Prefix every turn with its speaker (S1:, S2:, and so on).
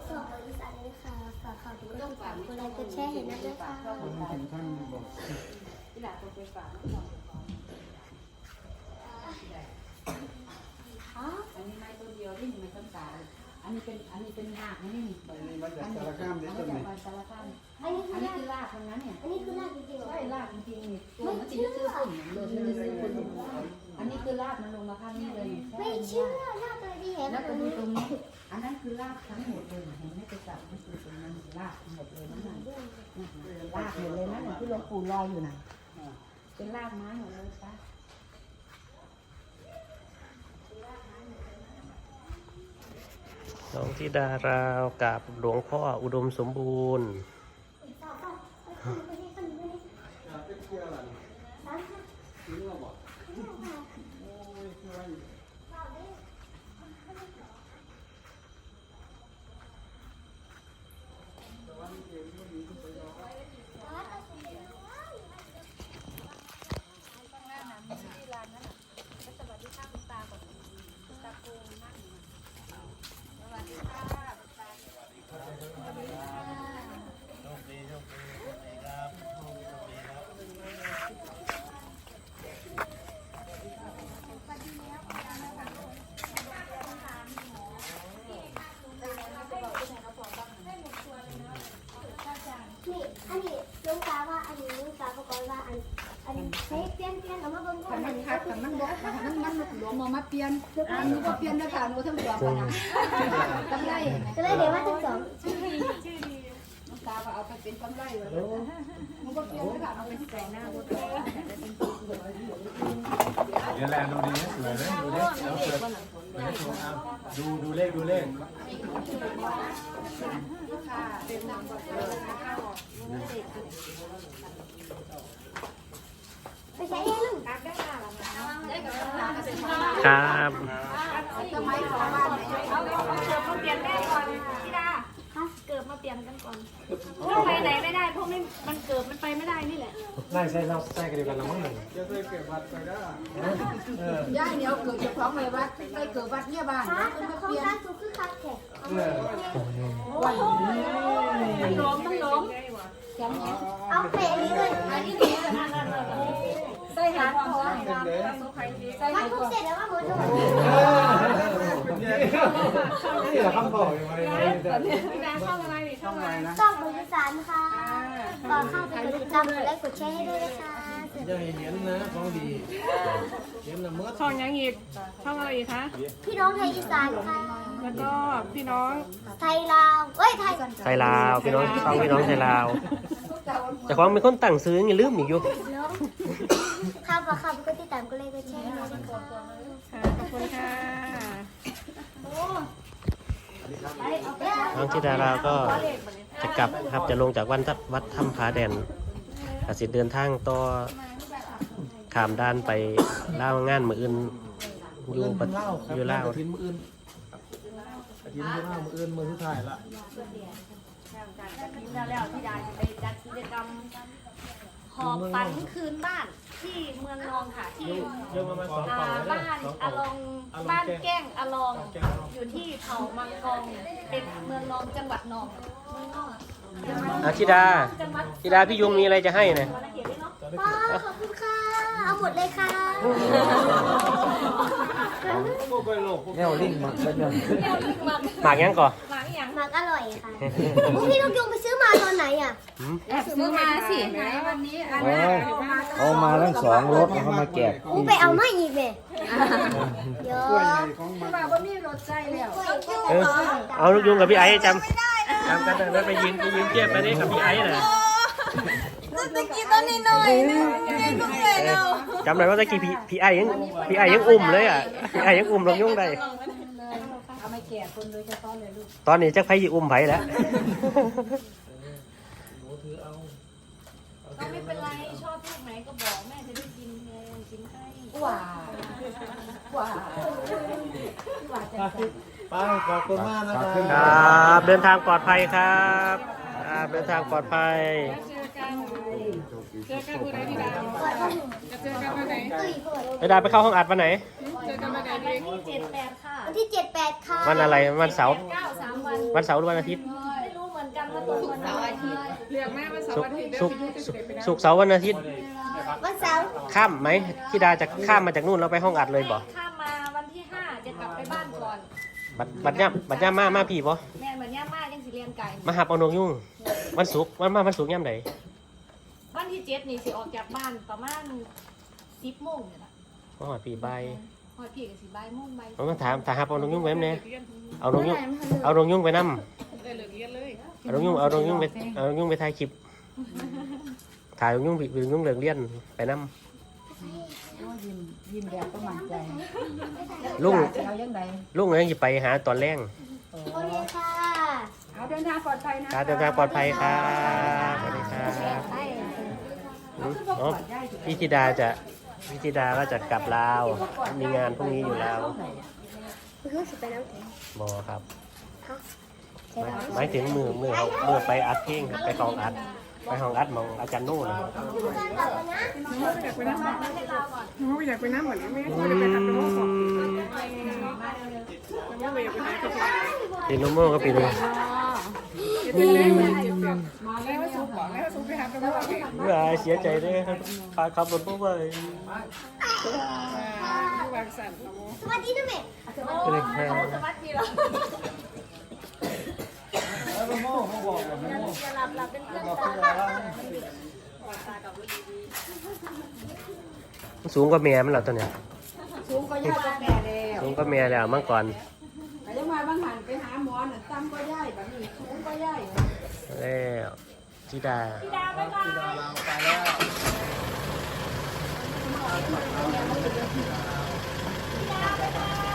S1: สองบริษัทนี้ค่ะฝากข่าวทุกคนฝากคนไลค์กดแชร์เห็นนะด้วยค่ะ
S2: คนถึงขั้นบอก
S3: ที่หลังต้องไปฝากอันนี้ไม้ตัวเดียวที่ไม่ต้องการอันนี้เป็นรากนี่นี่
S2: มาจากสารคามเด็ดต้นนี่
S3: สารคามอันนี้คือรากตรงนั้นเนี่ย
S1: อันนี้คือรากจริงๆ
S3: ใช่รากจริงๆนี่ตัวมันจะซื้อฝุ่นเลยจะซื้อฝุ่นอันนี้คือรากมันลงมาข้างนี้เลย
S1: ไม่เชื่อรากเลยดีเห็น
S3: แล้วก็ดูตรงนี้อันนั้นคือรากทั้งหมดเลยเห็นไหมไปจับมันคือตรงนั้นรากหมดเลยนั่นน่ะรากหมดเลยนั่นน่ะที่หลวงปู่ลอยอยู่น่ะเป็นรากไม้หมดเลยจ้ะ
S4: น้องธิดาราวกับหลวงพ่ออุดมสมบูรณ์
S1: นี่อันนี้ลุงตาว่าอันนี้ลุงตาบอกว่าอันนี้ให้เปลี่ยนเอามาเบิ่งก่อน
S3: มันคัดมันบอกมันหลวงมาเปลี่ยนหนูก็เปลี่ยนได้ค่ะหนูทั้งสองนะกำไร
S1: ก็เลยเดี๋ยวว่าทั้งสอง
S3: น้องตาก็เอาไปเป็นกำไรเลยมันก็เปลี่ยนได้ค่ะเอาไปที่แต่หน้าก็ได้
S2: เดี๋ยวแลดูดีสวยเลยดูดิแล้วเปิดให้ชมเอาดูเลข
S1: ไปใช้เองลุง
S4: ครับ
S3: สมัยของบ้านเนี่ย
S5: เอาเกิดมาเปลี่ยนแม่ก่อนพี่ดาเกิดมาเปลี่ยนกันก่อนไปไหนไม่ได้เพราะมันเกิดมันไปไม่ได้นี่แหละ
S4: ไล่ใส่เราใส่กันเดียวกันละมั้งหนึ่ง
S2: จะเคยเก็บวัดไปได้
S3: ย่าเนี่ยเกิดจากของในวัดไปเกิดวัดเนี่ยบ้าน
S1: ฮะ
S3: เป็นมา
S1: โคร
S3: เป
S1: ง
S3: ลี่ยน
S1: การสูงคือคักแขก
S5: มันล้มมันล้ม
S1: เอาเปะนี้เลย
S5: ใส่หางคอ
S1: ใส่ทุกเสร็จแล้วว่าหมดเลย
S2: นี่แหละคำบอกยังไง
S5: พี่ดาช่องอะไรนี่ช่องอะไร
S1: ต้องบริษัทค่ะก่อนเข้าไปกดติดตามกดไลค์กดแชร์ให้ด้วยนะคะ
S2: อย่าเห็นนะของดีเห็นละเมื่อ
S5: ช่องยังอีกช่องอะไรอีกคะ
S1: พี่น้องไทยอีสานค่ะ
S5: แล้วก็พี่น้อง
S1: ไทยลาวเอ้ยไทย
S4: ไทยลาวพี่น้องฟังพี่น้องไทยลาวแต่ความเป็นคนตั้งซื้อยังลืมอีกอยู่
S1: น้องข้าวค่ะกดติดตามกดไลค์กดแชร์ให้ด้วยนะคะ
S5: ขอบคุณค่ะ
S4: น้องธิดาราวก็จะกลับครับจะลงจากวัดถ้ำผาแดนอาจจะเดินทางต่อข้ามด้านไปเล่าวงานมืออื่นอยู่ลาว
S2: ทิ้งมืออื่นทิ้งมือเล่ามืออื่นมือที่ถ่ายละ
S5: แล้วพี่ดาจะไปจัดกิจกรรมหอบฝันคืนบ้านที่เมืองนองค่ะที่บ้านอลองบ้านแก้งอลองอยู่ที่เขามังกรเป็นเมืองนองจังหวัดนองเมืองนอง
S4: ธิดาพี่ยุงมีอะไรจะให้นะ
S1: ป้าขอบคุณค่ะ เอาหมดเลยค่ะ
S2: แนวลิงมันเป็นยัง
S4: หมากยังก่อน
S1: หมากอร่อยค่ะพี่ลูกยงไปซื้อมาตอนไหนอ่ะ
S3: แอบซื้อมาสิไหนวันนี้อันนี้
S6: เอามาทั้งสองรถเขามาแจก
S1: กูไปเอามาอีกเลยเยอะ
S3: ว่าบ่มีรถใจแล้ว
S4: เอาลูกยุงกับพี่ไอ้จำกันแล้วไปยืนเทียบไปนี่กับพี่ไอ้น่ะจำได้ว่าตะกี้พี่ไอ้ยังอุ้มเลยอ่ะพี่ไอ้ยังอุ้มลงยุ่งได้
S3: เอาไม่แก่คนโดยเฉพาะเลยลูก
S4: ตอนนี้จักไผสิอุ้มไผแล้ว
S5: ก็ไม่เป็นไรชอบลูกไหนก็บอกแม่จะได้กินไงกินให้
S3: ว้า
S2: ป้าขอบคุณมากนะครับ
S4: ครับเดินทางปลอดภัยครับเดินทางปลอดภัย
S5: เจอกันผู้ใดพี่ดาวจะเจอกันวันไหน
S4: ไอ้ดาไปเข้าห้องอัดวันไหน
S5: เจอที่7-8ค่ะ
S1: วันที่ 7-8 ค่ะ
S4: วันอะไรวันเสาร์
S5: 9 3 วัน
S4: วันเสาร์หรือวันอาทิตย์
S5: ไม่รู้เหมือนกันว่าตรงวันอะไร
S4: ศุกร์ศุกร์เสาร์วันอาทิตย์
S1: วันเสาร์
S4: ข้ามไหมธิดาจะข้ามมาจากนู่นแล้วไปห้องอัดเลยบ่
S5: ข้ามมาวันที่5จะกลับไปบ้านก่อน
S4: บัดย่ำมาพี่บ่
S5: แม่เหมือนย่ามายังสิเรียนไก่
S4: มาหับเอานงยุ่งวันศุกร์วันศุกร์ย่ำไหน
S5: วันที่7นี่สิออกจากบ้านประมาณ10 โมงเนี่ยล่ะ
S4: อ๋อปีใบ
S5: พอพี่ก็สิบ่ายโมงบ่าย
S4: ผมมาถามถ้าหับเอานงยุ่งไว้ไหมเอานงยุ่งไปนำเอานงยุ่งไปถ่ายคลิปถ่ายนงยุ่งเลิกเรียนไปนำ
S3: ยิ้มแบบก็มั่นใจ
S4: ลุง
S3: เอายังไง
S4: ลุงยังจะไปหาตอนแรง
S1: โอเคค่ะ
S3: เอาเดินทางปลอดภัยนะ
S4: การเดินทางปลอดภัยครับสวัสดีครับอ๋อพี่ธิดาก็จะกลับลาว มีงานพรุ่งนี้อยู่แล้ว
S1: รู้สึกไปน้ำแข็ง
S4: บอครับหมายถึงมือไปอัดเพลงครับไปห้องอัดมองอาจารย์โน่นะครับ
S7: อยากไปน้ำเหมือนแม่ไม่ได้ไปทำเป็นโม่ของแล้วไม่อยากไปไหนก็จะ
S4: ปีนุ่มโม่ก็ปีนึง
S7: เป็นเล่นเหมือนเจ็บเจ็บแล้วว่าสูบบอกแล้วว่าสูบไปหาเป็นโม่เอง
S4: เมื่อเสียใจด้วยครับพาขับรถพวกว่าเลย
S7: ที่วางสั่นละโม
S1: สวัสดีนะแม่
S4: ก็เลยแค่
S5: สวัสดีเหรอ
S2: แล้วโม่เขาบอกกับโม่
S5: จะหลับเป็นเพื่อน
S2: บอก
S5: กัน
S2: เพื่อนว่า
S4: สูงกว่าเมียมันเหรอตัวเนี้ย
S3: สูงก็ย่ายก็แก่แล้ว
S4: สูงกว่าเมียแล้วเมื่อก่อน
S3: แต่ยังมาบางหันไปหาหมอน่ะตั้มก็ย่ายแบบนี้สูงก็ย่าย
S4: แล้วธิดา
S5: พี่ดาบ๊ายบาย
S2: เราไปแล้ว
S5: พี่ดาบ๊ายบาย